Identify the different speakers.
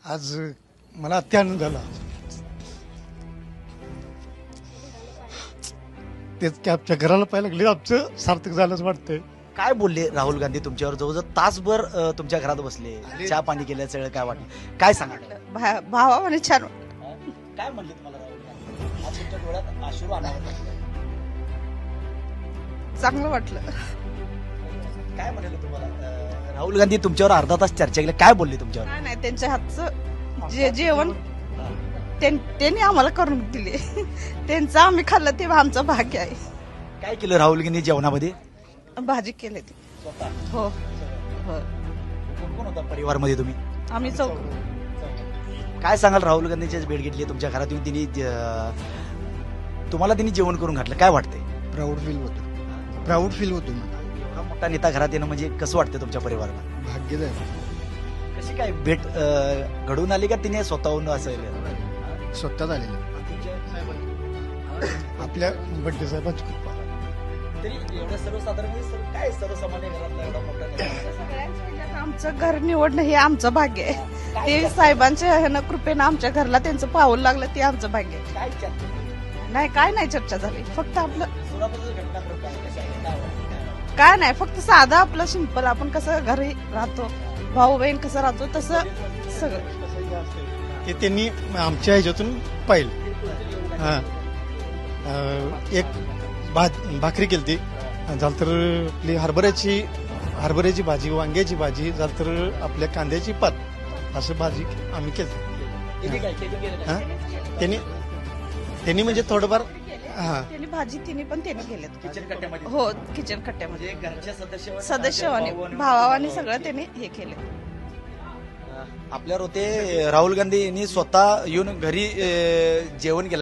Speaker 1: आज मला अत्यानंद झाला. तेच की आमच्या घराला पाहायला लागले आमचं सार्थक झालंच वाटतंय.
Speaker 2: काय बोलले राहुल गांधी तुमच्यावर? जवळजवळ तासभर तुमच्या घरात बसले, चहा पाणी केलं, सगळं काय वाटलं, काय सांगा?
Speaker 3: भावाने छान
Speaker 2: काय म्हणले तुम्हाला राहुल गांधी? आज तुमच्या डोळ्यात अश्रू आणावं लागलं.
Speaker 3: चांगलं वाटलं.
Speaker 2: काय म्हणाले तुम्हाला? राहुल गांधी तुमच्यावर अर्धा तास चर्चा केली, काय बोलले तुमच्यावर?
Speaker 3: काय नाही, त्यांच्या हातचं जेवण त्यांनी आम्हाला करून दिले. त्यांचं आम्ही खाल्लं ते आमचं भाग्य आहे.
Speaker 2: काय केलं राहुल गांधी जेवणामध्ये?
Speaker 3: भाजी केली ती. हो हो.
Speaker 2: कोण कोण होता परिवारमध्ये तुम्ही?
Speaker 3: आम्ही चौक.
Speaker 2: काय सांगाल? राहुल गांधीची भेट घेतली तुमच्या घरात येऊन, तिने तुम्हाला त्यांनी जेवण करून घातलं, काय वाटतंय?
Speaker 1: प्राऊड फील होतं, प्राऊड फील होतो मला.
Speaker 2: एवढा मोठा नेता घरात येणं म्हणजे कसं वाटतं तुमच्या परिवाराला?
Speaker 1: भाग्यच आहे.
Speaker 2: कशी काय भेट घडून आली का तिने स्वतःहून असं?
Speaker 1: स्वतः झालेलं आपल्या बड्डे साहेबांची कृपा.
Speaker 2: तरी एवढं सर्वसाधारण काय सर्वसामान्य घरातला एवढा मोठा नेता?
Speaker 3: सगळ्यांच्या ह्याच्यात आमचं घर निवडणं हे आमचं भाग्य आहे. ते साहेबांच्या ह्यानं कृपेनं आमच्या घरला त्यांचं पाऊल लागलं, ते आमचं भाग्य आहे.
Speaker 2: काय चर्चा?
Speaker 3: नाही, काय नाही चर्चा झाली. फक्त आपलं
Speaker 2: सोलापूरचं घटनाक्रम काय? कशा आहे? काय वाटतं?
Speaker 3: काय नाही, फक्त साधं आपलं सिंपल आपण कसं घरी राहतो, भाऊ बहीण कसं राहतो तसं सगळं.
Speaker 1: ते त्यांनी आमच्या ह्याच्यातून पाहिलं. हां, एक भाकरी केली ती झालं तर आपली हरभऱ्याची भाजी, वांग्याची भाजी झालं तर आपल्या कांद्याची पात, असं भाजी आम्ही केली. हां, त्यांनी म्हणजे थोडंफार. हां,
Speaker 3: त्यांनी भाजी पण त्यांनी केलेत.
Speaker 2: किचन कट्ट्यामध्ये?
Speaker 3: हो, किचन कट्ट्यामध्ये
Speaker 2: म्हणजे घरच्या
Speaker 3: सदस्यवाने भावाने सगळं त्यांनी हे केलं.
Speaker 2: आपल्यावर होते राहुल गांधी यांनी स्वतः येऊन घरी जेवण केलं.